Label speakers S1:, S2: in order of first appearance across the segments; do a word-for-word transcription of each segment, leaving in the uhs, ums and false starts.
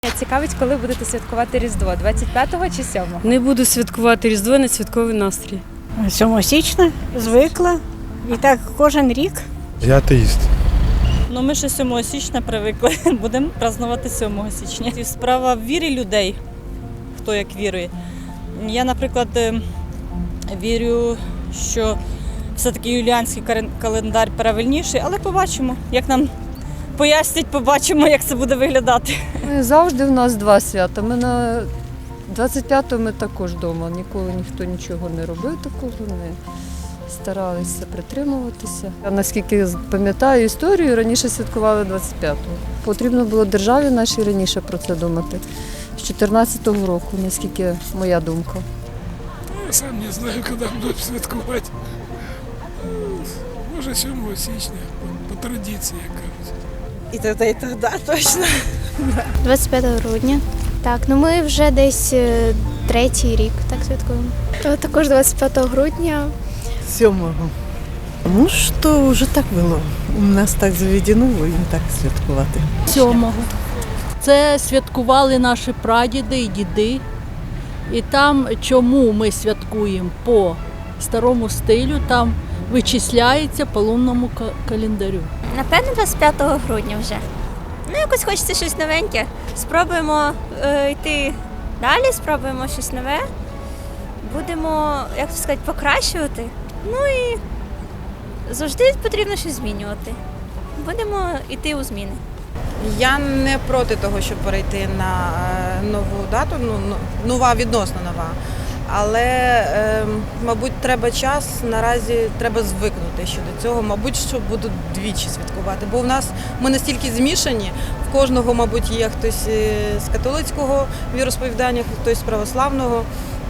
S1: Цікавить, коли будете святкувати Різдво? двадцять п'ятого чи сьомого?
S2: Не буду святкувати Різдво, не святковий настрій.
S3: сьомого січня звикла. І так кожен рік.
S4: Я атеїст.
S5: Ну, ми ще сьомого січня привикли, будемо празднувати сьомого січня. І справа в вірі людей, хто як вірує. Я, наприклад, вірю, що все-таки юліанський календар правильніший, але побачимо, як нам пояснять, побачимо, як це буде виглядати.
S6: Завжди в нас два свята. Ми на двадцять п'ятого ми також вдома. Ніколи ніхто нічого не робив такого, не старалися притримуватися. Я наскільки пам'ятаю історію, раніше святкували двадцять п'ятого. Потрібно було державі нашій раніше про це думати. З чотирнадцятого року, наскільки моя думка.
S7: Я сам не знаю, коли будуть святкувати. Може, сьомого січня, по, по традиції, як кажуть.
S8: І тоді, і тоді, точно.
S9: двадцять п'ятого грудня. Так, ну ми вже десь третій рік так святкуємо. Також двадцять п'ятого грудня.
S8: Сьомого. Ну, що вже так було. У нас так заведено, будемо так святкувати.
S10: Сьомого. Це святкували наші прадіди і діди. І там, чому ми святкуємо по старому стилю, там вичисляється по лунному календарю.
S9: Напевно, двадцять п'ятого грудня вже. Ну, якось хочеться щось новеньке. Спробуємо е, йти далі, спробуємо щось нове. Будемо, як то сказати, покращувати. Ну і завжди потрібно щось змінювати. Будемо йти у зміни.
S11: Я не проти того, щоб перейти на нову дату, ну, нова, відносно нова. Але, е, мабуть, треба час, наразі треба звикнути щодо цього. Мабуть, що будуть двічі святкувати. Бо в нас ми настільки змішані, в кожного, мабуть, є хтось з католицького віросповідання, хтось з православного.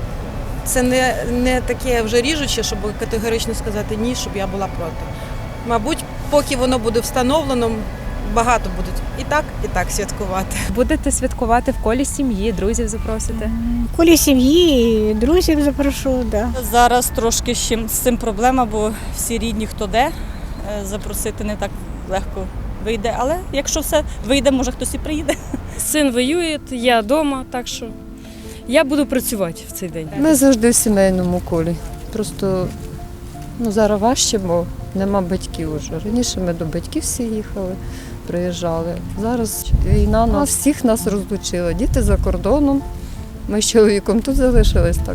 S11: Це не, не таке вже ріжуче, щоб категорично сказати ні, щоб я була проти. Мабуть, поки воно буде встановлено, багато будуть і так, і так святкувати.
S1: Будете святкувати в колі сім'ї, друзів запросите?
S3: В колі сім'ї, друзів запрошу, да.
S5: Зараз трошки з цим, з цим проблема, бо всі рідні, хто де, запросити не так легко вийде. Але якщо все вийде, може хтось і приїде.
S2: Син воює, я вдома, так що я буду працювати в цей день.
S6: Ми завжди в сімейному колі. Просто ну, зараз важче, бо нема батьків уже. Раніше ми до батьків всі їхали, приїжджали. Зараз війна нас всіх нас розлучила. Діти за кордоном. Ми з чоловіком тут залишились так.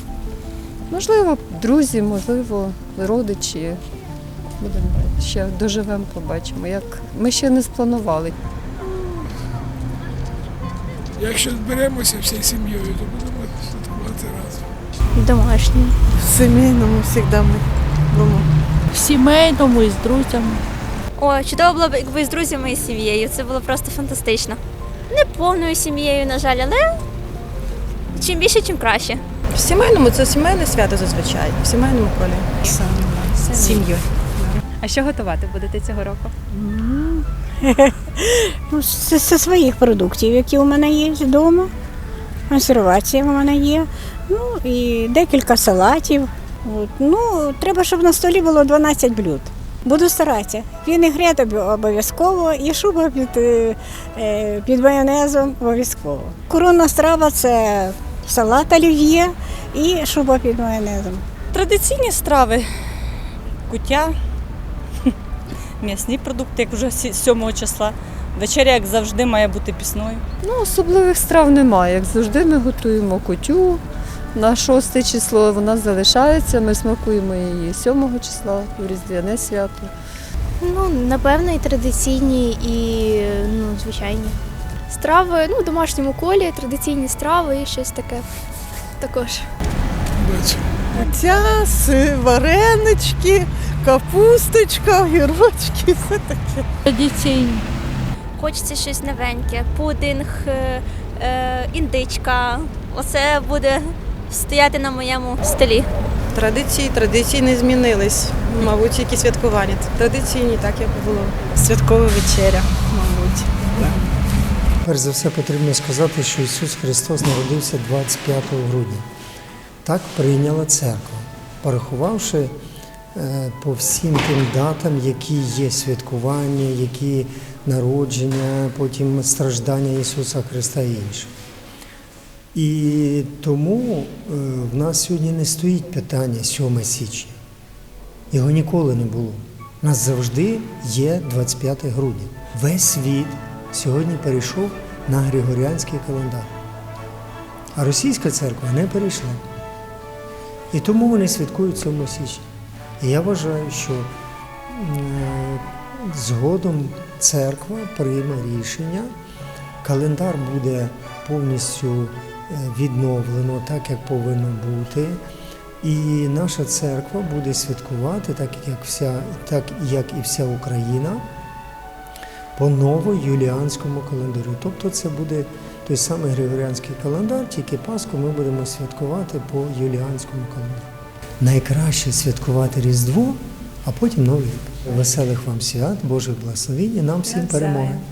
S6: Можливо, друзі, можливо, родичі. Будемо ще доживемо, побачимо. Як ми ще не спланували.
S7: Якщо зберемося всією сім'єю, то будемо святкувати разом.
S9: Домашні.
S8: В сімейному завжди ми вдома.
S10: В сімейному і з друзями.
S9: О, чудово було б, якби з друзями і сім'єю. Це було просто фантастично. Не повною сім'єю, на жаль, але чим більше, тим краще.
S11: В сімейному це сімейне свято зазвичай, в сімейному колі. З сім'єю.
S1: А що готувати будете цього року?
S3: Ну, це зі своїх продуктів, які у мене є вдома. Консервація у мене є. Ну і декілька салатів. От. Ну, треба, щоб на столі було дванадцять блюд. Буду старатися. Вінегрет обов'язково і шуба під, під майонезом обов'язково. Коронна страва – це салат олів'є і шуба під майонезом.
S5: Традиційні страви, куття, м'ясні продукти, як вже сьомого числа. Вечеря, як завжди, має бути пісною.
S6: Ну, особливих страв немає. Як завжди ми готуємо кутю. На шосте число вона залишається, ми смакуємо її сьомого числа, в Різдвяне свято.
S9: Ну, напевно, і традиційні, і ну, звичайні. Страви, ну, в домашньому колі, традиційні страви і щось таке також.
S7: Бачу.
S8: М'ясо, варенички, капусточка, огірочки, все таке.
S10: Традиційні.
S9: Хочеться щось новеньке, пудинг, е, е, індичка. Оце буде стояти на моєму столі.
S11: Традиції, традиції не змінились. Мабуть, тільки святкування. Традиційні, так як було.
S8: Святкова вечеря, мабуть.
S12: Перш за все потрібно сказати, що Ісус Христос народився двадцять п'ятого грудня. Так прийняла церква, порахувавши по всім тим датам, які є святкування, які народження, потім страждання Ісуса Христа і інше. І тому е, в нас сьогодні не стоїть питання сьоме січня. Його ніколи не було. У нас завжди є двадцять п'яте грудня. Весь світ сьогодні перейшов на Григоріанський календар. А російська церква не перейшла. І тому вони святкують сьоме січня. І я вважаю, що е, згодом церква прийме рішення, календар буде повністю відновлено так, як повинно бути. І наша церква буде святкувати, так як, вся, так як і вся Україна, по новоюліанському календарю. Тобто це буде той самий Григоріанський календар, тільки Пасху ми будемо святкувати по юліанському календарю. Найкраще святкувати Різдво, а потім Новий рік. Веселих вам свят, Божих благословінь і нам всім перемоги.